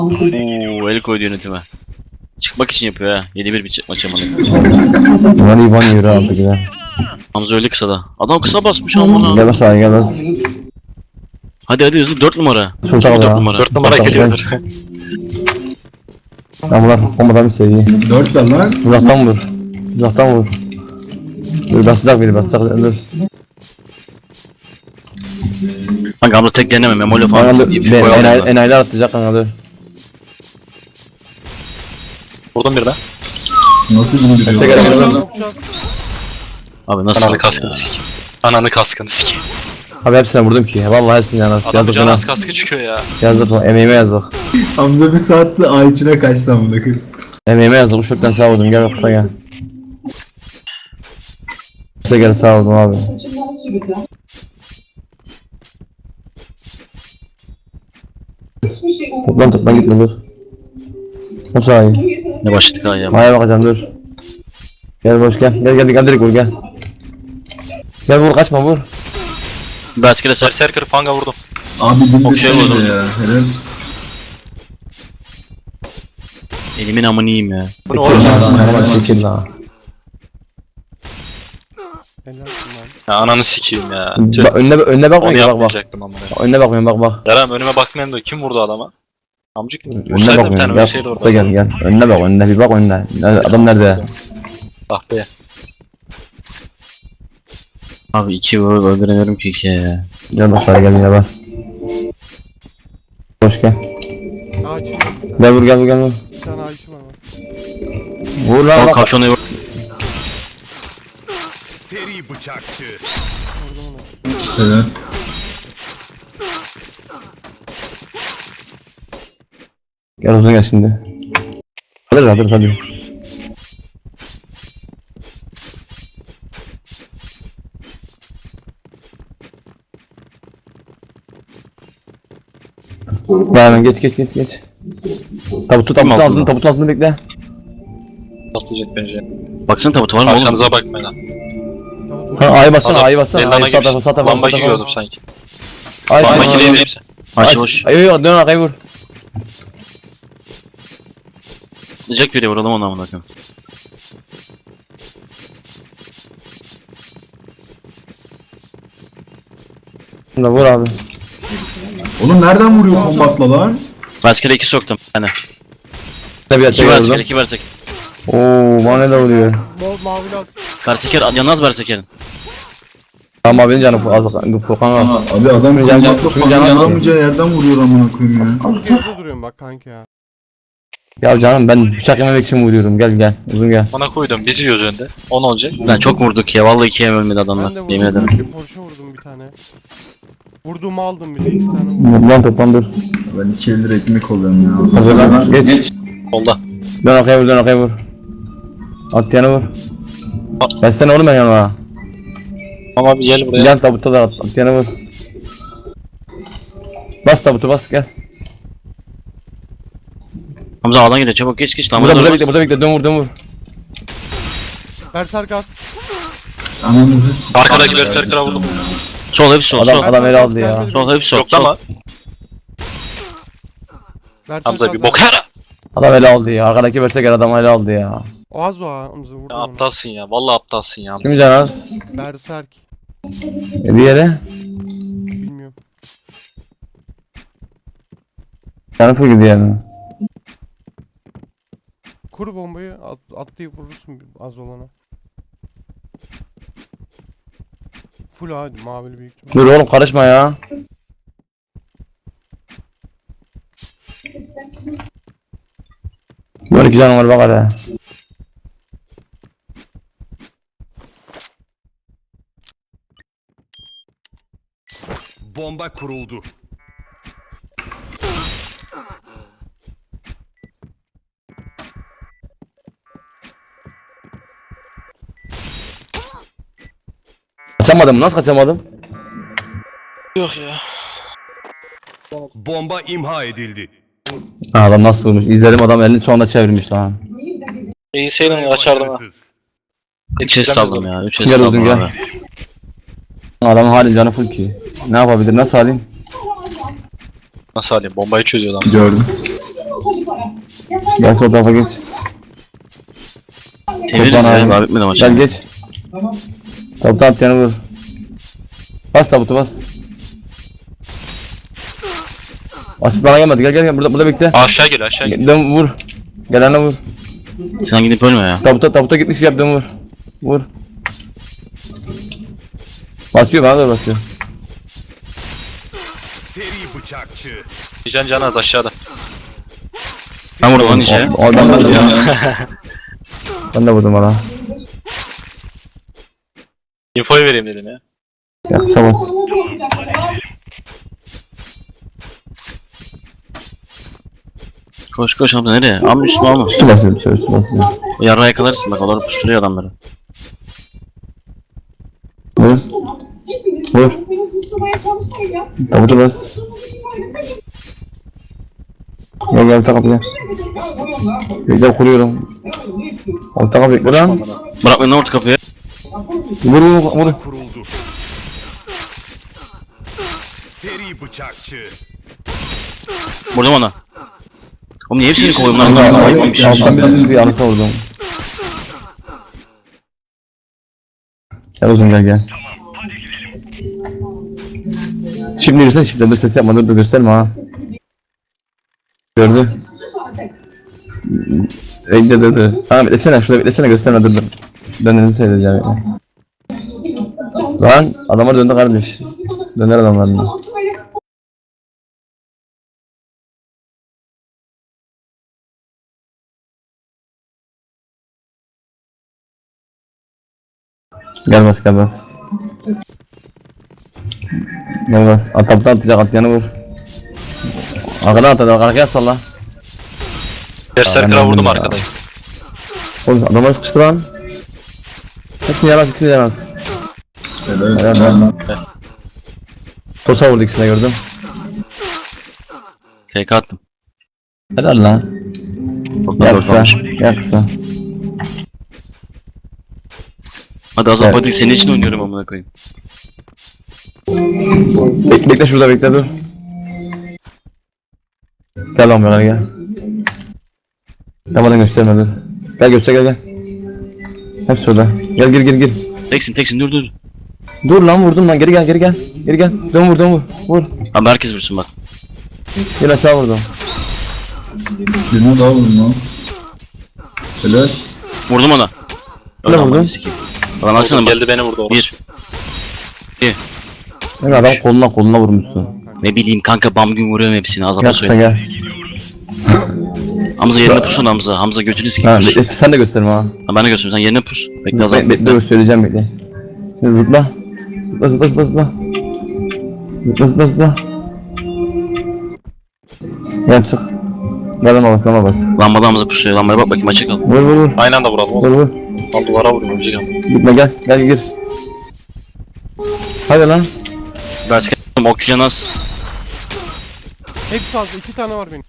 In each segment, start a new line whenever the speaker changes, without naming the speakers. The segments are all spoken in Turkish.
Ooo el koydu yönetime. Çıkmak için yapıyor ha. 7-1 bir maç amalı.
Bunlar İvan yürü artık ya.
Hamza öyle kısa da. Adam kısa basmış amına.
Gel bas abi gel bas.
Hadi hızlı 4 numara.
Sultan
4
ya.
numara.
4 numara geliyordur.
Lan bunlar bombadan bir seviye.
4 de lan.
Uzaktan vur. Uzaktan vur. Dur basacak biri basacak. Dur.
Kanka Hamza tek deneme memoli
Kanka
falan.
dur. Enayiler atlayacak kanka dur.
Vurdum birine.
Nasıl indiriyor?
Tekrar
lan?
gel.
Abi nasıl
Ananı
ya?
kaskını sikeyim. Ananı kaskını sikeyim.
Abi hepsine vurdum ki. Vallahi hepsine yanar.
Adam
Yazık
can
bana.
az kaskı çıkıyor ya.
Yazık lan. Emeğime yazık.
Hamza bir saatte ay içine kaçtı amına koyayım.
Emeğime yazık. Bu şoktan sağ vurdum. Gel kısa gel. Kısa gel sağ vurdum abi. Toplan gitme dur. O sahi.
Ne başladık ha ya.
Aya bakacağım dur. Gel boş gel. Gel direkt vur gel. Gel vur kaçma vur.
Berskele ser.
Berserker fanga vurdum.
Abi
Okşaya
dinlesene
vurdum.
ya. Helal.
Elimin amını yiyeyim ya.
Bu ne oğlum?
Çekil lan.
Ya ananı sikeyim ya. Tüh.
Önüne
Onu
bakmıyor bak bak.
yapmayacaktım ama.
Önüne bakmıyorum bak.
Yaram önüme bakmayan da kim vurdu adama? Amcık mı?
Önüne
Vursaydı bir tane
bakmıyorum.
öyle şeydi orada.
Gel. Önüne bak önüne bir bak önüne. Adam nerede?
Ah be.
Abi 2 öldüremiyorum ki 2'ye ya.
Gel bak gel ya bak. Boş gel.
Ağaçım var bir tane.
Gel vur.
Bir tane ağaçım var bak.
Vur lan
Al
bak.
kavşonu vur.
Seri bıçakçı.
Helal.
Gel uzun gel şimdi. Hadi. Hemen geç. Tabutun altını bekle.
Patlayacak bence.
Baksana tabutu var mı oğlum?
Arkanıza bakmayın lan.
Ha ayı bassana.
Ellana
Ayı
gibi.
sağ
Lamba giriyordum sanki.
Ayı
Lamba
sağ
gireyim hepsi.
Aç boş.
Ayı dön arkaya vur.
Diyecek biri vuralım onu amına koyayım.
Şimdi vur abi.
Oğlum nereden vuruyor kombatla lan?
Berskele 2 soktum. Yani.
Tabii
2 Berskele 2 Bersekele.
Oo bana ne de vuruyor.
Mavi laz.
Berseker yanmaz Berseker'in.
Tamam abinin canı Furkan al.
Abi adam
Şimdi can-
kombatla
şimdi
falan
can-
yanamayacağı yerden vuruyor amına koyayım ya.
Orada duruyorum bak kanka ya.
Ya canım ben bıçak yememek için vuruyorum. Gel uzun gel.
Bana koydum. Biz yiyoruz önde. 10 olacak.
Lan çok vurduk ya. Vallahi 2'ye ölmedi
Ben de
adamlar.
vurdum.
Yemin ederim.
Porsche vurdum bir tane. Vurduğumu aldım bir de 2 tane vurdum.
Toplan dur.
Ben 2 eldir ekmek oluyorum ya.
Hazırlan. Geç.
Solda.
Dön arkaya vur. At yana vur. Ben sen oğlum ben yanıma.
Ama bir gel buraya.
Gel tabuta da at yana vur. Bas tabutu bas gel.
Hamza ağdan geliyor çabuk geç lan.
Burada bekle dön vur.
Berserk at.
Ananızı sikeyim.
Arkadaki berserker'a vurdum.
Sol hepsi sol. Sol.
Adam ele aldı ya.
Sol hepsi sol.
Yok ama.
Berserk
Hamza
at
bir
zaten.
bok yara.
Adam ele aldı ya. Arkadaki versek adam ele aldı ya.
O az o ha. Hamza vurdum
Ya
onu.
aptalsın ya. Vallahi aptalsın ya.
Kim can az?
Berserk.
Diğeri.
Bilmiyorum.
Canı full gidiyor yani.
Kur bombayı atlayıp vurursun az olana. Full hadi mavili büyük ihtimal.
Dur oğlum karışma ya. Böyle iki canım var bak hele.
Bomba kuruldu.
Kaçamadım nasıl kaçamadım?
Yok ya.
Bomba imha edildi.
Ha, adam nasıl vurmuş? İzledim adam elini sonunda çevirmiş lan.
İyi seyredin açardım ha.
Başarısız.
3 es saldım ya. 3 es
Gel
saldım
uzun gel.
abi.
Adamın hali canı full ki. Ne yapabilir nasıl halim?
Nasıl alayım? Bombayı çözüyor lan.
Gördüm.
Gel sol tarafa geç.
Çeviririz
Toplan
ya.
abi.
Daha bitmedi maç.
Gel geç. Tabutu at yanı vur. Bas tabutu bas. Asit bana gelmedi. Gel burada bekle.
Aşağı gel aşağı gel.
Dön vur. Gelene vur.
Sen gidip ölme ya.
Tabuta gitmiş yap dön vur. Vur. Basıyor bana da basıyor.
Seri bıçakçı.
Can az aşağıda.
Ben vurdum lan işe.
O adam da vurdu ya. Ben de vurdum bana.
Infoyu vereyim dedim ya.
Ya kısa bas.
Koş Hamza nereye? Ama üstüme alma.
Üstü basıyor bir şey üstü basıyor.
Yarra yakalarsın bak. Onlar puşturuyor adamları.
Vur. Vur. Tabutu bas. Gel alta kapıya. Bekle kuruyorum. Alta kapı bekle lan.
Bırak beni orta kapıya.
Vur.
Kuruldu. Seri bıçakçı.
Vurdum ona. Oğlum niye hepsini kovuyorum lan?
Kanka
Kanka,
alttan bir yanlışa vurdum. Gel uzun gel. Şimdi yürüsene çiftler dur ses yapma dur gösterme ha. Gördü. Bekle dur. Tamam beklesene şurada beklesene gösterme dur. Döneni söyleyeceğim yani. Lan adamlar döndü kardeş. Döner adamlarına. Gel bas. Gel bas. Ataptan atacak atyanı vur. Arkadan atacak arkaya salla.
Berserker'a vurdum arkadayım.
Oğlum adamları sıkıştı lan. Hepsini yaramaz. Helal. Tosa vurdu ikisine gördüm.
TK attım.
Helal lan. Gel kısa.
Hadi Azap
Evet.
hadi senin için oynuyorum amına koyayım.
Bekle şurada bekle dur. Gel lan bana gel. Yapmadan gösterme dur. Gel göster gel. Hepsi orada. Gel gir.
Teksin dur.
Dur lan vurdum lan geri gel. Dön vur.
Abi herkes vursun bak.
Gel aşağı vurdum.
Birine daha vurdum lan. Helal.
Vurdum ona.
Ne vurdun?
amına sikeyim. Adam baksana bak.
Geldi beni vurdu orası.
Yani adam koluna vurmuşsun.
Ne bileyim kanka bam gün vuruyorum hepsini Azap'a
Gel kısa
söyle.
gel.
Hamza yerine pusun Hamza. Hamza götünü
Ha
sikeyim.
bekle sen de gösterme ha.
Ha ben de götürüm sen yerine pus. Bekle Azap.
Bekle söyleyeceğim bekle. Zıpla. Zıpla. Gel çık. Gel lama bas.
Lambada Hamza pusuyor. Lambaya bak bakayım açık al.
Vur.
Aynı anda vuralım oğlum.
Vur.
Al duvara vurayım ölecek ama.
Gitme gel gir. Hadi lan.
Bersker okçuya nasıl?
Hepsi az. 2 tane var benim.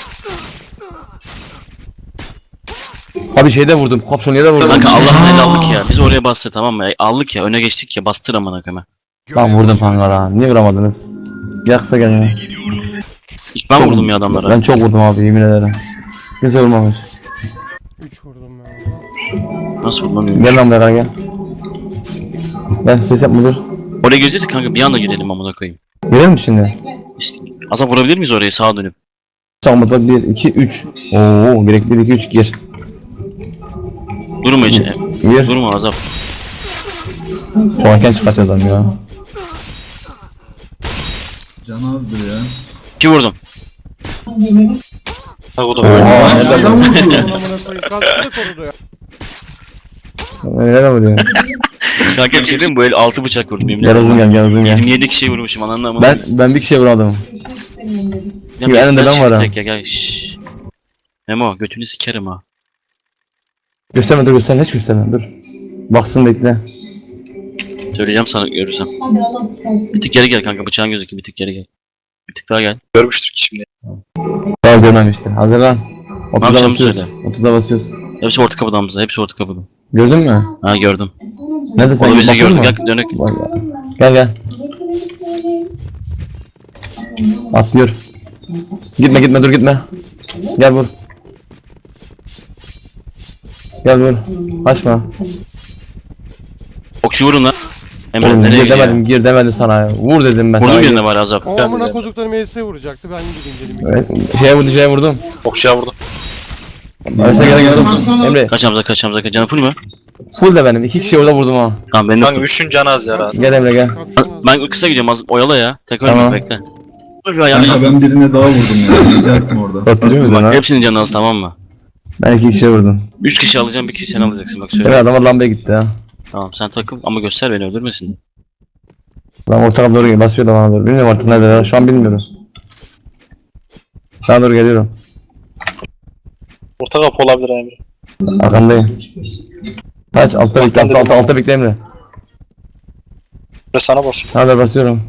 Abi şeyde vurdum. Kapşonu da vurdum.
Kanka Allah'ın eli aldık ya. Biz oraya bastı tamam mı? Aldık ya öne geçtik ya bastır amına koyayım.
Lan vurdum kanka lan. Niye vuramadınız? Gel kısa gel ya.
İlk ben vurdum ya adamlara.
Ben çok vurdum abi yemin ederim. Güzel vurmamış.
3 vurdum ben.
Nasıl vurmam
Gel lan buraya gel. Gel ses yapma dur.
Oraya gireceğiz kanka bir anda girelim amına koyayım.
Girelim mi şimdi?
İşte, Azap vurabilir miyiz oraya sağa dönüp?
Sağımda 1, 2, 3. Oo direkt 1, 2, 3 gir.
Durma hiç.
Gir.
Durma Azap.
Soğanken çıkartıyor adam ya.
Can azdır ya.
2 vurdum.
Ha o da
Oha
Nereden vurdu?
Amına koyayım. Kaskı da korudu ya.
Nereye vuruyor?
Kanka bir şey diyeyim mi? Bu el 6 bıçak vurdum yemin
Gel
ederim.
uzun gel.
27 kişiye vurmuşum anladın mı?
Ben bir kişiye vuramadım.
Ya
bir elinde ben
şimdi
varım.
tek ya gel şşş. Memo götünü sikerim ha.
Gösterme hiç gösterme dur. Baksın bekle.
Söyleyeceğim sana görürsem. Bir tık geri gel kanka bıçağın gözüküyor bir tık geri gel. Bir tık daha gel.
görmüştür ki şimdi.
Daha görmemiştir. Hazırlan. 30'da
yapacağımı
basıyoruz.
söyle.
30'da basıyoruz.
Hepsi orta kapıda Hamza hepsi orta kapıda.
Gördün mü?
Ha gördüm.
Nerede sen?
O da bizi
Bakıyor
gördü
mu?
gel dönük.
Bak ya. Gel. Atlıyor. Gitme dur gitme. Gel vur. Gel vur. Açma.
Okçu vurun lan. Emre
Oğlum,
nereye
gir
gidiyor?
demedim, gir demedim sana ya. Vur dedim ben
Vurdum
sana.
birine bari azap.
O amına kodukları MS'e vuracaktı. Ben gideyim dedim.
Evet, şeye vurdum.
Okçuya vurdum.
Arsa gel Emre.
Kaç Hamza kaç Hamza kaç. Canı full mü?
Full de benim. 2 kişi orada vurdum ha.
Tamam ben de
Kanka 3'ün canı az ya rahat.
Gel Emre gel.
Ben kısa gidiyorum az oyala ya. Tek ölme
Tamam.
bekle. Dur bir ayağını
Kanka
yap.
ben birine daha vurdum ya. Ricaettim orada.
Batırıyor muydun ha?
Bak hepsinin canı az tamam mı?
Ben 2 kişiye vurdum.
3 kişi alacağım bir kişi sen alacaksın bak söyle.
Evet adamlar lambaya gitti ha.
Tamam sen takıl ama göster beni öldürmesin.
Lan orta kapı doğru geliyor. Basıyor da bana doğru. Bilmiyorum artık nerede ya. Şu an bilmiyoruz. Sana doğru geliyorum.
Orta kapı olabilir abi.
Arkandayım. Kaç altta bekle. Altta bekle Emre.
Ve sana basıyor.
Sana doğru basıyorum.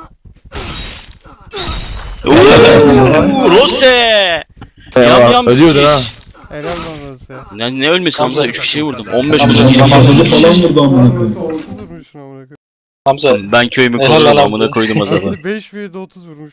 Ooo Rose! Yam yam
Ölüyordu ha.
sikiş.
Helal lan orası ya.
Ne ölmesin Hamza 3 kişiyi vurdum. 15
Hamza,
vurdum.
Hamza,
20
Hamza falan vurdu amına koyayım.
30 vurmuşsun amına koyayım.
Hamza
Ben köyümü
Helal
korurum
lan
amına
Hamza.
koydum azaba.
5 vs 30 vurmuş.